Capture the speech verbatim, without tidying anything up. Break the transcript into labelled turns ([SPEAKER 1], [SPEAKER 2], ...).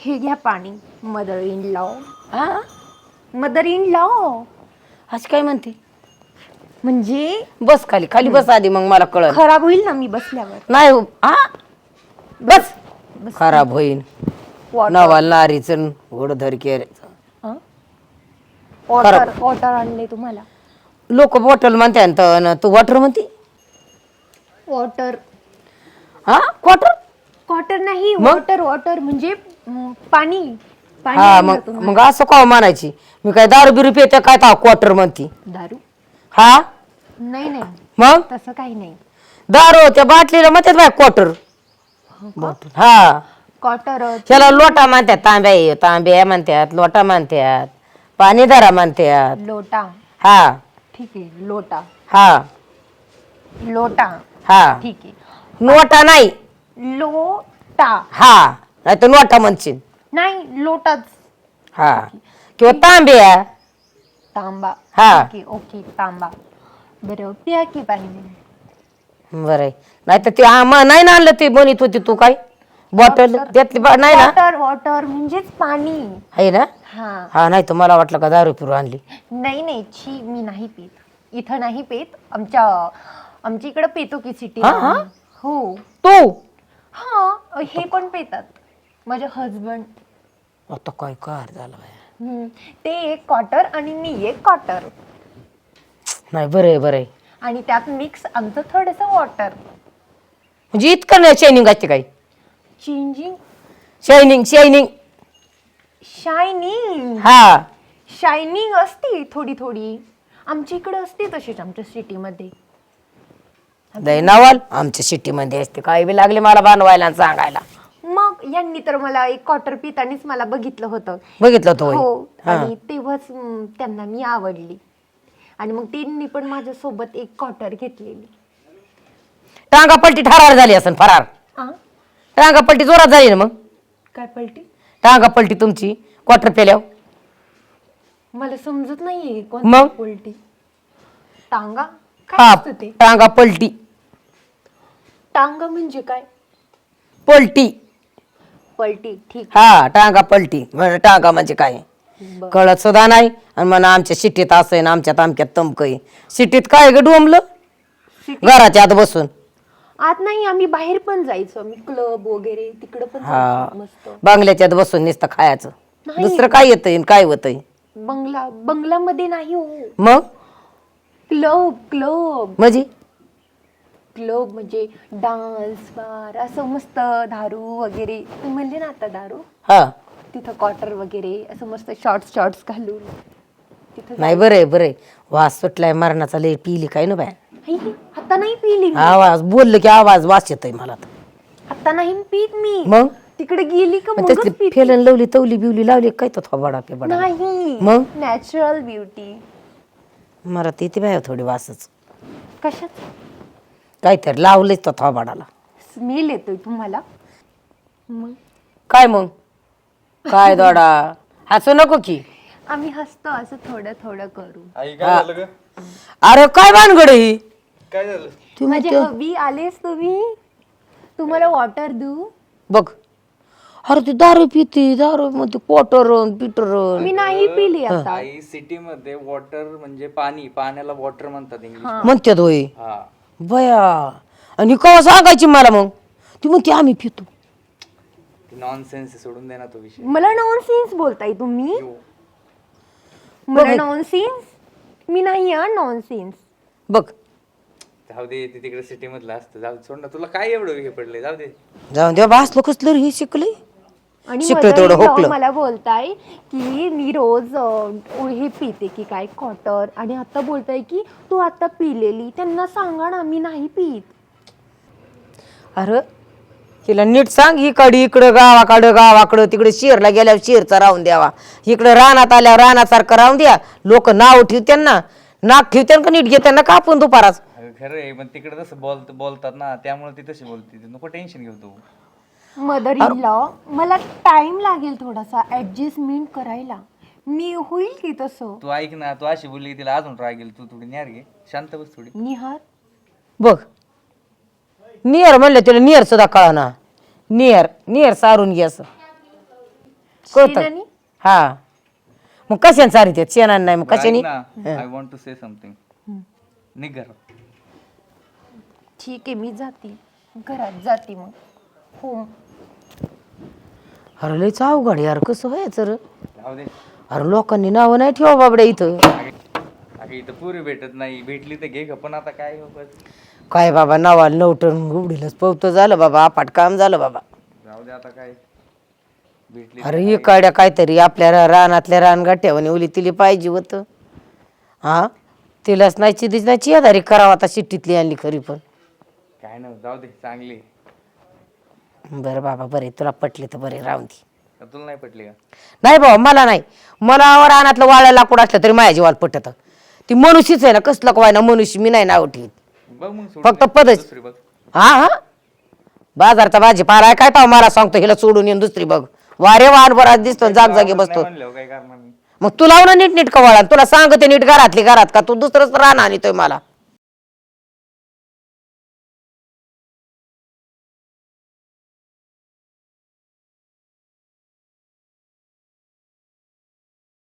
[SPEAKER 1] हे घ्या पाणी. Mother in law.
[SPEAKER 2] हा
[SPEAKER 1] मदर इन लॉ
[SPEAKER 2] आज काय म्हणते?
[SPEAKER 1] म्हणजे
[SPEAKER 2] बस खाली खाली बस आधी, मग मला कळलं.
[SPEAKER 1] खराब होईल ना मी बसल्यावर.
[SPEAKER 2] नाही हो. हा बस खराब होईन. नवा लारीचं घोडधर केरायचं.
[SPEAKER 1] वॉटर वॉटर आणले तुम्हाला.
[SPEAKER 2] लोक बॉटल म्हणते ना, तू वॉटर म्हणते.
[SPEAKER 1] वॉटर.
[SPEAKER 2] हा क्वार्टर
[SPEAKER 1] क्वार्टर नाही, वॉटर. वॉटर म्हणजे म, पाणी पाणी
[SPEAKER 2] हा.
[SPEAKER 1] आणलं
[SPEAKER 2] मग
[SPEAKER 1] तुम्हाला.
[SPEAKER 2] मग असं का म्हणायची? मी काय दारू बिरू पिते काय ता क्वार्टर म्हणती?
[SPEAKER 1] दारू
[SPEAKER 2] हा
[SPEAKER 1] नाही नाही
[SPEAKER 2] मग
[SPEAKER 1] तसं काही नाही.
[SPEAKER 2] दारू त्या बाटलीला म्हणतात बाय क्वार्टर. बॉटल हा.
[SPEAKER 1] क्वार्टर
[SPEAKER 2] त्याला लोटा म्हणतात. तांब्या तांब्या म्हणतात, लोटा म्हणतात, पाणीदारा म्हणतात.
[SPEAKER 1] लोटा.
[SPEAKER 2] हा
[SPEAKER 1] ठीक आहे. लोटा.
[SPEAKER 2] हा
[SPEAKER 1] लोटा.
[SPEAKER 2] हा.
[SPEAKER 1] ठीक आहे.
[SPEAKER 2] नोटा नाही.
[SPEAKER 1] लोटा
[SPEAKER 2] हा नाही तर नोटा म्हणशील.
[SPEAKER 1] नाही लोटाच.
[SPEAKER 2] हा किंवा तांब्या.
[SPEAKER 1] तांबा.
[SPEAKER 2] हा.
[SPEAKER 1] ठीक आहे. ओके तांबा. बरं प्या की पाणी.
[SPEAKER 2] बरं नाही तर ते आम्हा नाही ना आणलं ते बनत होती तू काय बॉटल त्यातली बा- नाही ना
[SPEAKER 1] वॉटर. वॉटर म्हणजेच पाणी
[SPEAKER 2] आहे ना.
[SPEAKER 1] हा.
[SPEAKER 2] हा नाही तर मला वाटलं का दारू पिरू आणली.
[SPEAKER 1] नाही नाही छी मी नाही पित. इथं नाही पित. आमच्या आमच्या इकडं पितो की सिटी.
[SPEAKER 2] हा, हा?
[SPEAKER 1] हो.
[SPEAKER 2] तू
[SPEAKER 1] हा हे पण पितात माझे हजबंड.
[SPEAKER 2] आता काय कार झालं बाया.
[SPEAKER 1] ते एक क्वार्टर आणि मी एक क्वार्टर
[SPEAKER 2] नाही बरं आहे बरं आहे.
[SPEAKER 1] आणि त्यात मिक्स आमचं थोडस वॉटर.
[SPEAKER 2] म्हणजे इतकं नाही शायनिंग असते काय?
[SPEAKER 1] चेंजिंग.
[SPEAKER 2] Shining shining.
[SPEAKER 1] शायनिंग.
[SPEAKER 2] हा
[SPEAKER 1] शायनिंग असते थोडी थोडी. आमच्या इकडे असते तशीच आमच्या सिटीमध्ये.
[SPEAKER 2] दैनावाल आमच्या सिटीमध्ये असते. काय बी लागले मला बनवायला आणि सांगायला.
[SPEAKER 1] मग यांनी तर मला एक क्वार्टर पितानीच मला बघितलं होतं.
[SPEAKER 2] बघितलं तो
[SPEAKER 1] हो. आणि तेव्हाच म, त्यांना मी आवडली. आणि मग त्यांनी पण माझ्यासोबत एक क्वार्टर घेतलेली.
[SPEAKER 2] टांगा पलटी ठरार झाली असेल फरार.
[SPEAKER 1] आ?
[SPEAKER 2] टांगा पलटी जोरात झाली ना मग.
[SPEAKER 1] काय पलटी?
[SPEAKER 2] टांगा पलटी तुमची क्वार्टर पेल्यावर.
[SPEAKER 1] मला समजत नाहीये
[SPEAKER 2] मग?
[SPEAKER 1] कोणती पलटी. टांगा काय
[SPEAKER 2] हा
[SPEAKER 1] असतं ते?
[SPEAKER 2] टांगा पलटी.
[SPEAKER 1] टांगा म्हणजे काय?
[SPEAKER 2] पलटी.
[SPEAKER 1] पलटी. ठीक.
[SPEAKER 2] हा टांगा पलटी म्हणजे टांगा म्हणजे काय
[SPEAKER 1] बरं.
[SPEAKER 2] कळत सुद्धा नाही. आणि म्हणा आमच्या सिटीत असं आहे ना आमच्यात आमच्यात तमक आहे. सिटीत काय ग डोंबलं
[SPEAKER 1] सिटी-
[SPEAKER 2] घराच्या आत बसून.
[SPEAKER 1] आत नाही आम्ही बाहेर पण जायचो. आम्ही क्लब वगैरे तिकडे पण
[SPEAKER 2] हा
[SPEAKER 1] जायचो मस्त.
[SPEAKER 2] बांगल्याच्यात बसून नुसतं खायचं.
[SPEAKER 1] नाही.
[SPEAKER 2] दुसरं काय येतंय काय होतंय
[SPEAKER 1] बंगला बंगलामध्ये नाही हो.
[SPEAKER 2] मग
[SPEAKER 1] क्लब. क्लब
[SPEAKER 2] म्हणजे
[SPEAKER 1] क्लब म्हणजे डान्स बार असं मस्त. दारू वगैरे तू म्हणले ना आता दारू.
[SPEAKER 2] हा
[SPEAKER 1] तिथं क्वार्टर वगैरे असं मस्त शॉर्ट्स शॉर्ट्स घालून तिथं
[SPEAKER 2] नाही बरं आहे बरं आहे. वास सुटलाय मरणाचा लय पिली काय ना बाय.
[SPEAKER 1] जायचं. आता नाही पिली मी.
[SPEAKER 2] आवाज बोललं की आवाज वास येतोय मला तर.
[SPEAKER 1] आता नाही पीत मी.
[SPEAKER 2] मग
[SPEAKER 1] तिकडे गेली का
[SPEAKER 2] मग
[SPEAKER 1] मगच
[SPEAKER 2] त्यातली
[SPEAKER 1] पिते.
[SPEAKER 2] फेलन लवली तवली बिवली लावली काय तो थोबाडा पेबाडा.
[SPEAKER 1] नाही
[SPEAKER 2] मग?
[SPEAKER 1] Natural beauty.
[SPEAKER 2] मला तिथे बाय थोडी वासच
[SPEAKER 1] कशात
[SPEAKER 2] काहीतरी लावलंच तो थोबाडाला.
[SPEAKER 1] स्मेल येतोय तुम्हाला. मग
[SPEAKER 2] काय मग काय दोडा हसू नको की.
[SPEAKER 1] आम्ही हसतो असं थोडं थोडं करू.
[SPEAKER 3] आई काय झालं ग?
[SPEAKER 2] अरे काय भानगड आहे ही?
[SPEAKER 3] काय झालं?
[SPEAKER 2] तू
[SPEAKER 1] माझे
[SPEAKER 2] म्हणते-
[SPEAKER 1] हबी आलेस तुम्ही. तुम्हाला वॉटर देऊ.
[SPEAKER 2] बघ अरे ती दारू पिती दारू मध्ये पोटरण पिटरण.
[SPEAKER 1] मी नाही पिली आता.
[SPEAKER 3] आई सिटी मध्ये वॉटर म्हणजे पाणी, पाण्याला वॉटर म्हणतात इंग्लिश.
[SPEAKER 2] म्हणतात होय
[SPEAKER 3] हा
[SPEAKER 2] बया. आणि कवा सांगायची मला मग ती म्हणते आम्ही पितो.
[SPEAKER 3] नॉनसेन्स सोडून दे ना तो विषय.
[SPEAKER 1] मला नॉनसेन्स बोलताय तुम्ही. मला नॉनसेन्स. मी नाही हा नॉनसेन्स.
[SPEAKER 2] बघ
[SPEAKER 3] जाऊ दे ते तिकडे सिटी मधलं असतं. जाऊ दे, सोड ना. तुला काय एवढं हे पडले? जाऊ दे.
[SPEAKER 2] जाऊन दे भासलो कसलं हे शिकले.
[SPEAKER 1] आणि
[SPEAKER 2] शिकलं
[SPEAKER 1] मदर
[SPEAKER 2] तेवढं
[SPEAKER 1] इन लॉ
[SPEAKER 2] हुकलं.
[SPEAKER 1] मला बोलताय की मी रोज अं, हे पिते की काय क्वार्टर. आणि आता बोलताय की तू आता पिलेली. त्यांना सांगा ना मी नाही पित.
[SPEAKER 2] अरे हिला नीट सांग. इकडे इकडं गावाकडं गावाकडं तिकडे शेरला गेल्यावर शेरचा राहून द्यावा. इकडे रानात आल्यावर रानासारखं राहून द्या. लोक नाव ठेवत्यान ना नाक ठेवत्यान का नीट घेत्यांना कापून दुपाराच.
[SPEAKER 3] अगं खरं आहे, पण तिकडे तसं बोल बोलतात ना त्यामुळे ती तशी बोलते. नको टेन्शन घेऊ तू.
[SPEAKER 1] मदर इन लॉ मला टाइम लागेल थोडासा ऍडजस्टमेंट करायला. मी होईल की तसं.
[SPEAKER 3] तू ऐक ना, तू अशी बोलली की तिला अजून राग येईल. तू थोडी न्यार घे, शांत बस थोडी.
[SPEAKER 1] निहार.
[SPEAKER 2] बघ नियर म्हणलं तिला नियर सुद्धा कळा ना. नियर नियर सारून घे असं. कळतं
[SPEAKER 1] शेणानी?
[SPEAKER 2] हा मग कशाने चारित आहेत शेणाने नाही मग कशाने
[SPEAKER 3] I want to say something निघ घरात.
[SPEAKER 1] ठीक आहे मी जाते घरात जाते मग हो.
[SPEAKER 2] अरे लयच अवघड यार कसं व्हायचं रे
[SPEAKER 3] जाऊ दे.
[SPEAKER 2] अरे लोकांनी नावं नाही ठेवा बाबड्या इथं
[SPEAKER 3] अगं इथं पुरी भेटत नाही, भेटली तर घे का, पण आता काय हो बस.
[SPEAKER 2] काय बाबा नावाला नवटन उघडीलच पवतं झालं बाबा आपाट काम झालं बाबा.
[SPEAKER 3] जाऊ दे आता काय भेटली.
[SPEAKER 2] अरे हे काड्या काहीतरी आपल्या रा- रानातल्या रानगाठ्यावानी ओली तिली पाहिजे होतं हा तिलाच नाही चिदीच नाही चियादारी करावं आता शिट्टीतली आणली खरी पण.
[SPEAKER 3] काय नाही जाऊ दे चांगली.
[SPEAKER 2] बरं बाबा बरे तुला पटली तर बरे राहून दे.
[SPEAKER 3] का तुला नाही पटली का?
[SPEAKER 2] नाही बाबा मला नाही मला रानातलं वाळा लाकूड असलं तरी माझ्या जीवाला पटत ती मनुष्यच आहे ना कसलं काय ना मनुष्य मी नाही नाव ठेवीत
[SPEAKER 3] बघ मग सोडून
[SPEAKER 2] फक्त
[SPEAKER 3] दे.
[SPEAKER 2] पदच
[SPEAKER 3] दुसरी बघ.
[SPEAKER 2] हा हा बाजारचा भाजीपाला आहे काय पाव मला सांगतो हिला सोडून येऊन दुसरी बघ वारे वाहन बराच दिसतो जाग जागी
[SPEAKER 3] नाही
[SPEAKER 2] बसतो
[SPEAKER 3] म्हणल्यावर काय करणार मी.
[SPEAKER 2] मग तू लाव ना नीट नीट कवाळा तुला सांगते नीट घरातली घरात का तू दुसरंच रान आणतोय मला